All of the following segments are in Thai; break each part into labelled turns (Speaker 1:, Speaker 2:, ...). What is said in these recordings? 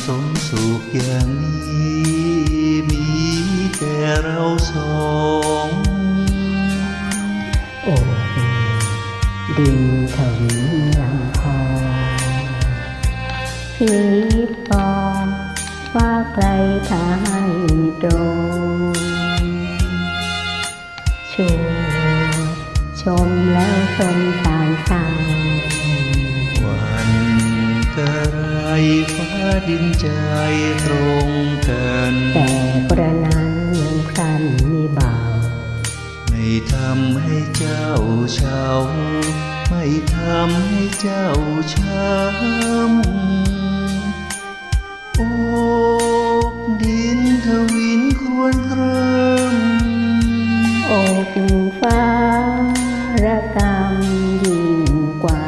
Speaker 1: สมสุขอย่างนี้มีแต่เราสอง
Speaker 2: โอ้ดินถวิลลำพองผีปองว่าใครทายตรงชมแล้วสมสารสาง
Speaker 1: วันกระไรฟ้าดินใจตรงกัน
Speaker 2: แต่กระนั้นยังครันมีเบา
Speaker 1: ไม่ทำให้เจ้าเฉาไม่ทำให้เจ้าช้ำโอกดินทวินควรคร
Speaker 2: ำอกฟ้าระกำยิ่งกว่า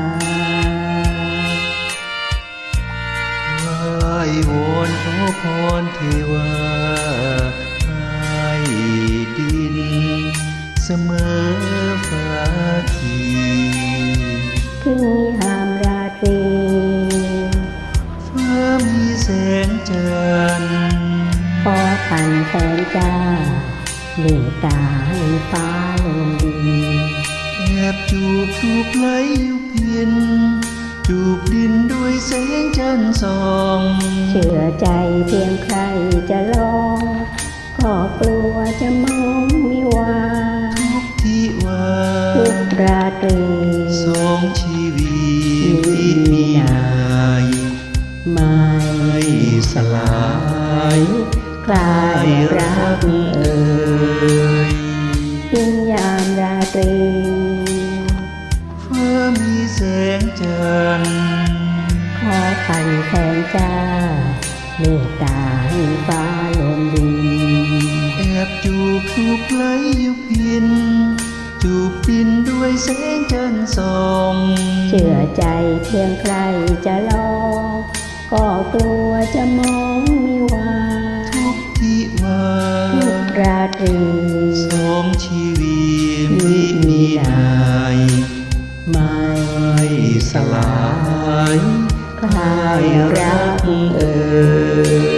Speaker 1: ไหว้วอนขอพรเทวาให้ดินเสมอฟ้าที
Speaker 2: ถึงยามราตรี
Speaker 1: ฟ้ามีแสงจันทร์
Speaker 2: ขอพันแสงจ้าเมตตาให้ฟ้าลงดิน
Speaker 1: แอบจูบไหลอยู่เพียนจูบดินด้วยแสงจันทร์ส่อง
Speaker 2: เชื่อใจเพียงใครจะลองก็กลัวจะมองมิวา
Speaker 1: ทุกที่ว่า
Speaker 2: ทุกราตรี
Speaker 1: สองชีวิตมีนาย
Speaker 2: ไม่
Speaker 1: สลาย
Speaker 2: คลายรักยิ่งยามราตรี
Speaker 1: ฟ้ามีแสงจันทร์
Speaker 2: ขอพันแสงจ้าเมตตาให้ฟ้าลงดิน
Speaker 1: แอบจูบไหลอยู่เพียนจูบดินด้วยแสงจันทร์ส่อง
Speaker 2: เชื่อใจเพียงใครจะลองก็กลัวจะมองมิวา
Speaker 1: ทุกที่ว่า
Speaker 2: ทุกราตรี
Speaker 1: สองชีวิตมีนาย
Speaker 2: ไม่
Speaker 1: สลาย
Speaker 2: คลายรัก